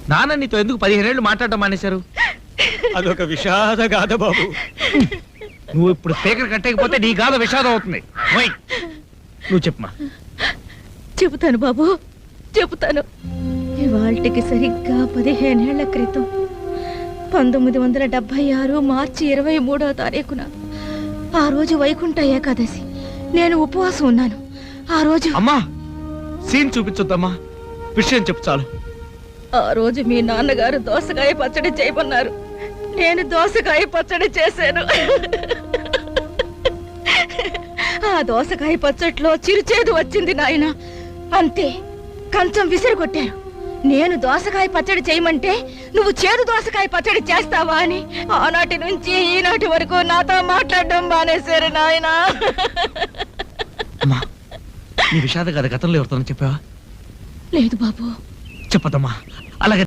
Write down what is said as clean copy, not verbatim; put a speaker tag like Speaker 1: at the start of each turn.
Speaker 1: నాన్న నీతో ఎందుకు 15 ఏళ్ళు మాట్లాడటం మానేశారు?
Speaker 2: అదొక విషాద గాథ బాబు.
Speaker 1: నువ్వు ఇప్పుడు స్పీకర్ కట్టకపోతే నీ గాథ విషాదం అవుతుంది. నువ్వు చెప్పమా.
Speaker 3: చెబుతాను బాబు, చెబుతాను. ఇవాళకి సరిగ్గా 15 ఏళ్ల క్రితం 1976 మార్చి 23వ తారీఖున ఆ రోజు వైకుంఠ ఏకాదశి. నేను ఉపవాసం ఉన్నాను. ఆ రోజు
Speaker 1: అమ్మా సీన్ చూపించొద్దమ్మా, విషయం చెప్పు చాలు.
Speaker 3: ఆ రోజు మీ నాన్నగారు దోసకాయ పచ్చడి చేయమన్నారు. నేను దోసకాయ పచ్చడి చేశాను. ఆ దోసకాయ పచ్చడిలో చిరుచేదు వచ్చింది నాయన. అంతే, కంచం విసిరికొట్టారు. నేను దోసకాయ పచ్చడి చేయమంటే నువ్వు చేదు దోసకాయ పచ్చడి చేస్తావా అని ఆనాటి నుంచి ఈనాటి వరకు నాతో మాట్లాడడం మానేశారు నాయన.
Speaker 1: అమ్మా నీ విషాద గాథ గతంలో ఎవరితో చెప్పావా?
Speaker 3: లేదు బాబు.
Speaker 1: చెప్పదమ్మా. అలాగే